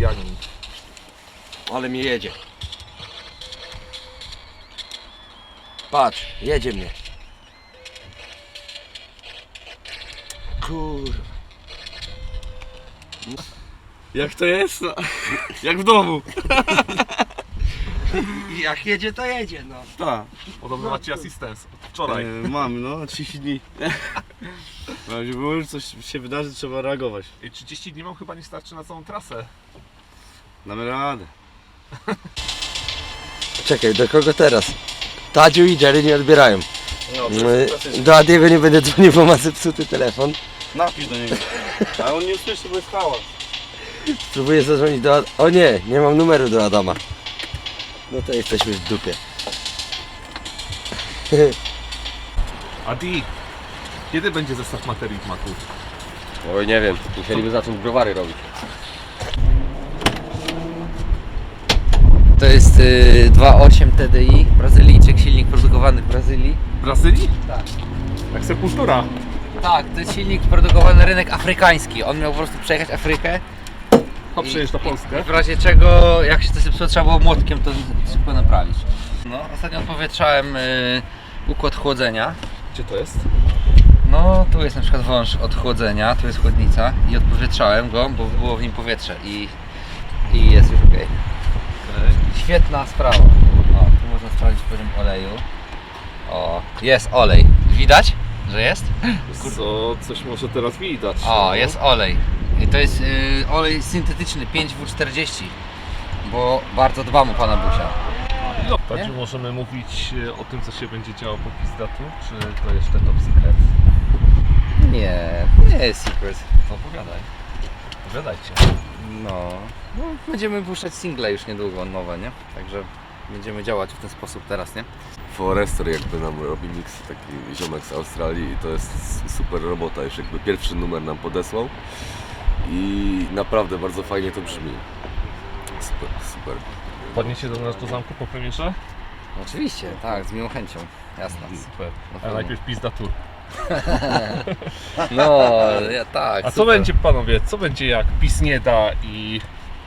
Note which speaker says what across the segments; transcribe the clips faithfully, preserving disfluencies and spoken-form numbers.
Speaker 1: Słowianin.
Speaker 2: Ale mnie jedzie. Patrz, jedzie mnie. Kurwa.
Speaker 3: Jak to jest? No, jak w domu.
Speaker 2: Jak jedzie, to jedzie, no.
Speaker 3: Tak.
Speaker 1: Podobno macie asystens od wczoraj.
Speaker 3: E, mamy, no, trzydzieści dni. No, żeby było, że coś się wydarzy, trzeba reagować.
Speaker 1: I trzydzieści dni wam chyba nie starczy na całą trasę.
Speaker 3: Damy radę.
Speaker 2: Czekaj, do kogo teraz? Tadziu i Jerry nie odbierają.
Speaker 3: No,
Speaker 2: No, do Adiego nie będę dzwonił, bo ma zepsuty telefon.
Speaker 3: napisz do niego. A on nie usłyszy, bo jest hałas.
Speaker 2: Spróbuję zadzwonić do Ad... O nie, nie mam numeru do Adama. No to jesteśmy w dupie.
Speaker 1: Adi, kiedy będzie zestaw materii w maku?
Speaker 4: Oj, nie wiem, musieliby zacząć browary robić.
Speaker 5: To jest y, dwa przecinek osiem T D I, Brazylijczyk, silnik produkowany w Brazylii.
Speaker 1: W Brazylii?
Speaker 5: Tak.
Speaker 1: Jak sepultura.
Speaker 5: Tak, to jest silnik produkowany na rynek afrykański. On miał po prostu przejechać Afrykę.
Speaker 1: Hop, przejeżdża
Speaker 5: I
Speaker 1: Polskę.
Speaker 5: w razie czego, jak się to zepsuło, trzeba było młotkiem to szybko naprawić. No, ostatnio odpowietrzałem y, układ chłodzenia.
Speaker 1: Gdzie to jest?
Speaker 5: No, tu jest na przykład wąż od chłodzenia, tu jest chłodnica i odpowietrzałem go, bo było w nim powietrze i, i jest już ok.
Speaker 1: Okay.
Speaker 5: Świetna sprawa. O, tu można sprawdzić poziom oleju. O, jest olej. Widać, że jest?
Speaker 1: Co, coś może teraz widać.
Speaker 5: O,
Speaker 1: no.
Speaker 5: jest olej. I to jest y, olej syntetyczny pięć W czterdzieści. Bo bardzo dbam o pana Busia.
Speaker 1: No, tak, czy możemy mówić e, o tym, co się będzie działo po Pizdatu, czy to jeszcze top secret?
Speaker 5: Nie, nie jest secret.
Speaker 1: To opowiadaj. Opowiadajcie.
Speaker 5: No, no, będziemy puszczać single już niedługo, nowe, nie? Także będziemy działać w ten sposób teraz, nie?
Speaker 6: Forester jakby nam robi mix, taki ziomek z Australii i to jest super robota, już jakby pierwszy numer nam podesłał i naprawdę bardzo fajnie to brzmi. Super, super.
Speaker 1: Podniesie do nas do zamku po premierze?
Speaker 5: Oczywiście, tak, z miłą chęcią, jasne.
Speaker 1: Super. A
Speaker 5: pewno.
Speaker 1: najpierw Pizdatu.
Speaker 5: No, ja tak.
Speaker 1: A co
Speaker 5: super.
Speaker 1: będzie, panowie, co będzie jak PiS nie da i,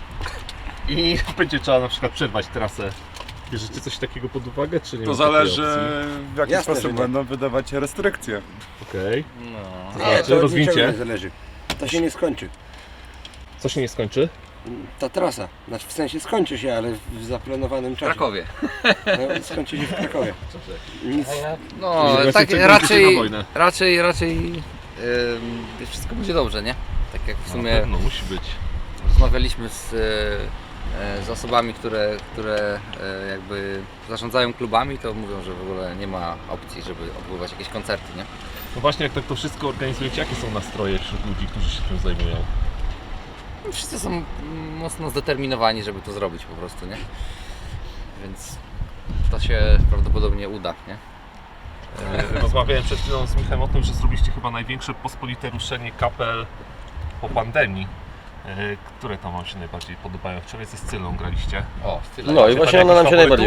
Speaker 1: i będzie trzeba na przykład przerwać trasę? Bierzecie coś takiego pod uwagę, czy nie?
Speaker 7: To
Speaker 1: ma takiej
Speaker 7: zależy
Speaker 1: opcji?
Speaker 7: w jaki
Speaker 2: Jasne, że
Speaker 7: sposób
Speaker 2: nie.
Speaker 7: będą wydawać restrykcje.
Speaker 1: Okej.
Speaker 5: No.
Speaker 2: Nie,
Speaker 1: Znaczy,
Speaker 2: to od
Speaker 1: rozwincie.
Speaker 2: niczego nie zależy. To się nie skończy.
Speaker 1: Co się nie skończy?
Speaker 2: Ta trasa, znaczy w sensie skończy się, ale w zaplanowanym
Speaker 5: W
Speaker 2: czasie.
Speaker 5: Krakowie.
Speaker 2: No, skończy się w Krakowie. Nic.
Speaker 5: No,
Speaker 1: Czyli
Speaker 5: tak
Speaker 1: czekajcie na
Speaker 5: raczej,
Speaker 1: wojnę.
Speaker 5: raczej, raczej ym, wszystko będzie dobrze, nie? Tak jak w
Speaker 1: Na
Speaker 5: sumie
Speaker 1: pewno, musi być.
Speaker 5: rozmawialiśmy z, e, z osobami, które, które e, jakby zarządzają klubami, to mówią, że w ogóle nie ma opcji, żeby odbywać jakieś koncerty, nie?
Speaker 1: No właśnie, jak tak to wszystko organizujecie, jakie są nastroje wśród ludzi, którzy się tym zajmują?
Speaker 5: No, wszyscy są mm, mocno zdeterminowani, żeby to zrobić po prostu, nie? Więc to się prawdopodobnie uda, nie?
Speaker 1: E, Rozmawiałem przed chwilą z Michem o tym, że zrobiliście chyba największe pospolite ruszenie kapel po pandemii. E, Które tam wam się najbardziej podobają? Wczoraj ze Scylą graliście.
Speaker 5: O, tyle.
Speaker 4: No i
Speaker 1: Macie
Speaker 4: właśnie
Speaker 1: tam
Speaker 4: ona nam się
Speaker 1: jakichś
Speaker 4: najbardziej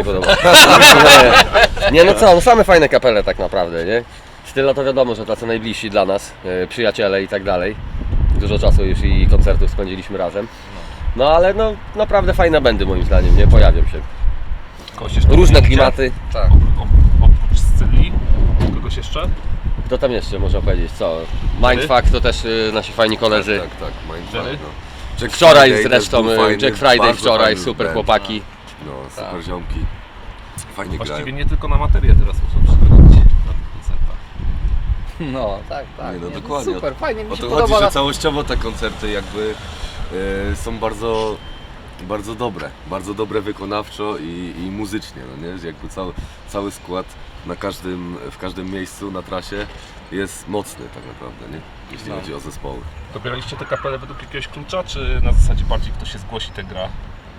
Speaker 4: podoba. Nie no co, no same fajne kapele tak naprawdę, nie? Styla to wiadomo, że tacy najbliżsi dla nas, e, przyjaciele i tak dalej. Dużo czasu już i koncertów spędziliśmy razem. No ale no naprawdę fajne będy moim zdaniem, nie? Pojawią się.
Speaker 1: Kogoś jeszcze
Speaker 4: Różne
Speaker 1: widzicie?
Speaker 4: klimaty.
Speaker 5: Tak.
Speaker 1: Op- op- Oprócz Scyli, kogoś jeszcze?
Speaker 4: Kto tam jeszcze można powiedzieć, co? Mindfuck to też y, nasi fajni koledzy.
Speaker 6: Tak, tak, Mindfuck,
Speaker 1: Jerry?
Speaker 6: no. Jack
Speaker 4: Wczoraj
Speaker 6: Friday
Speaker 4: zresztą,
Speaker 6: też był fajny,
Speaker 4: Jack Friday
Speaker 6: bardzo
Speaker 4: wczoraj,
Speaker 6: fajny
Speaker 4: super
Speaker 6: band.
Speaker 4: chłopaki.
Speaker 6: No, super
Speaker 5: Tak.
Speaker 6: ziomki. Fajnie
Speaker 1: Właściwie
Speaker 6: grają.
Speaker 1: nie tylko na materię teraz muszą przychodzić na tych koncertach.
Speaker 5: No, tak, tak.
Speaker 6: Nie, no
Speaker 5: nie,
Speaker 6: dokładnie.
Speaker 5: Super, fajnie mi
Speaker 6: O
Speaker 5: się
Speaker 6: to
Speaker 5: podoba.
Speaker 6: chodzi, że całościowo te koncerty jakby e, są bardzo, bardzo dobre. Bardzo dobre wykonawczo i, i muzycznie, no nie? Jakby cały, cały skład na każdym, w każdym miejscu na trasie jest mocny tak naprawdę, nie? Jeśli
Speaker 5: No.
Speaker 6: chodzi o zespoły.
Speaker 1: Dobieraliście te kapele według jakiegoś klucza, czy na zasadzie bardziej kto się zgłosi, ten gra?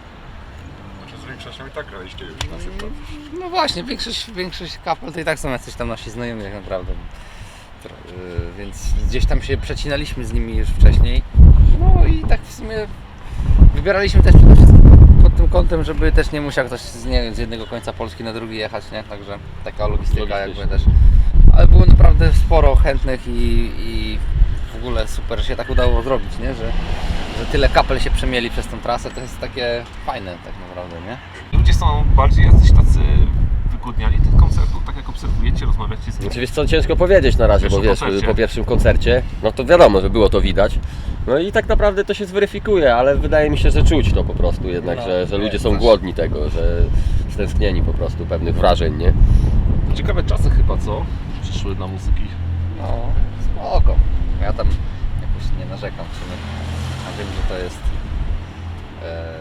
Speaker 7: Z większością i tak graliście już na przykład.
Speaker 5: No właśnie, większość, większość kapel to i tak są jacyś tam nasi znajomi tak naprawdę. Tro- y, Więc gdzieś tam się przecinaliśmy z nimi już wcześniej. No i tak w sumie wybieraliśmy też przede wszystkim pod tym kątem, żeby też nie musiał ktoś z, nie wiem, z jednego końca Polski na drugi jechać, nie? Także taka logistyka jakby też. Ale było naprawdę sporo chętnych i, i w ogóle super się tak udało zrobić, nie? Że, że tyle kapel się przemieli przez tą trasę, to jest takie fajne tak naprawdę, nie?
Speaker 1: Ludzie są bardziej jacyś tacy wygłodniali tych koncertów, tak jak obserwujecie, rozmawiacie z nimi.
Speaker 4: Znaczy wiesz co, ciężko powiedzieć na razie, bo
Speaker 1: Pierwszym
Speaker 4: wiesz,
Speaker 1: koncercie.
Speaker 4: po pierwszym koncercie, no to wiadomo, że było to widać. No i tak naprawdę to się zweryfikuje, ale wydaje mi się, że czuć to po prostu jednak,
Speaker 5: No,
Speaker 4: że, że
Speaker 5: nie,
Speaker 4: ludzie są
Speaker 5: też.
Speaker 4: głodni tego, że stęsknieni po prostu pewnych wrażeń, nie?
Speaker 1: Ciekawe czasy chyba, co? Przyszły dla muzyki.
Speaker 5: No, spoko. Ja tam jakoś nie narzekam w sumie. A wiem, że to jest e,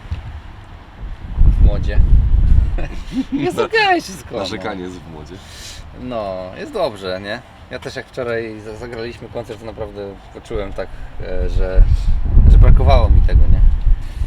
Speaker 5: w modzie. Jest okej wszystko. no.
Speaker 6: Narzekanie jest w modzie.
Speaker 5: No, jest dobrze, nie? Ja też jak wczoraj za- zagraliśmy koncert, to naprawdę poczułem tak, e, że, że brakowało mi tego, nie?